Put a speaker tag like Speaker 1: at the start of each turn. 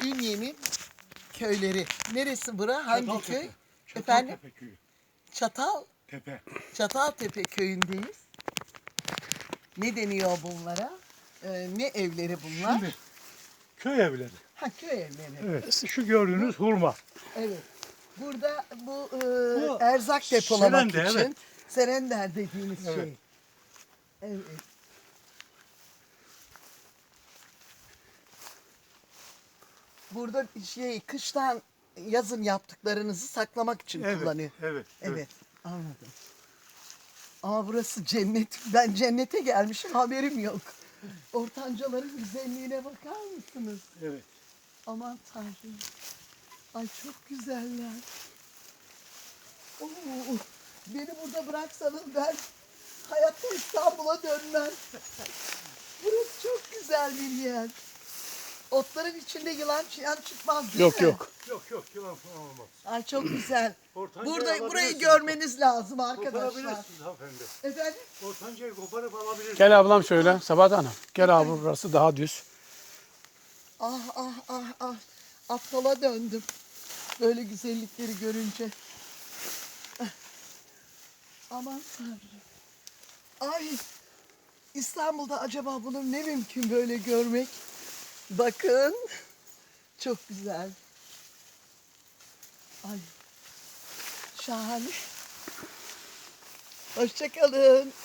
Speaker 1: Ünye'nin köyleri. Neresi bura? Hangi
Speaker 2: Çataltepe.
Speaker 1: köy? Efendim?
Speaker 2: Çataltepe köyü.
Speaker 1: Tepe. Çataltepe köyündeyiz. Ne deniyor bunlara? Ne evleri bunlar?
Speaker 2: Şimdi köy evleri.
Speaker 1: Ha, köy evleri.
Speaker 2: Evet. Şu gördüğünüz hurma.
Speaker 1: Evet. Burada bu
Speaker 2: Bu
Speaker 1: erzak depolamak
Speaker 2: serende,
Speaker 1: için
Speaker 2: evet.
Speaker 1: serender dediğimiz
Speaker 2: Evet.
Speaker 1: şey. Evet. Burada kıştan yazın yaptıklarınızı saklamak için
Speaker 2: Evet,
Speaker 1: kullanıyor.
Speaker 2: evet,
Speaker 1: Evet, anladım. Ama burası cennet. Ben cennete gelmişim, haberim yok. Ortancaların güzelliğine bakar mısınız?
Speaker 2: Evet.
Speaker 1: Aman Tanrım. Ay çok güzeller. Oo, beni burada bıraksanız ben hayatta İstanbul'a dönmem. Burası çok güzel bir yer. Otların içinde yılan çıyan çıkmaz değil mi?
Speaker 2: Yok, yılan falan olmaz.
Speaker 1: Ay çok güzel.
Speaker 2: Ortancayı
Speaker 1: Burayı
Speaker 2: alabilirsiniz.
Speaker 1: görmeniz lazım arkadaşlar.
Speaker 2: Koparabilirsiniz hanımefendi.
Speaker 1: Efendim?
Speaker 2: Ortancayı koparıp alabilirsiniz.
Speaker 3: Gel ablam şöyle Sabahat Hanım. Gel abi burası daha düz.
Speaker 1: Ah ah ah ah. Aptala döndüm. Böyle güzellikleri görünce. Ah. Aman Tanrım. Ay. İstanbul'da acaba bunu ne mümkün böyle görmek? Bakın. Çok güzel. Ay. Şahane. Hoşça kalın.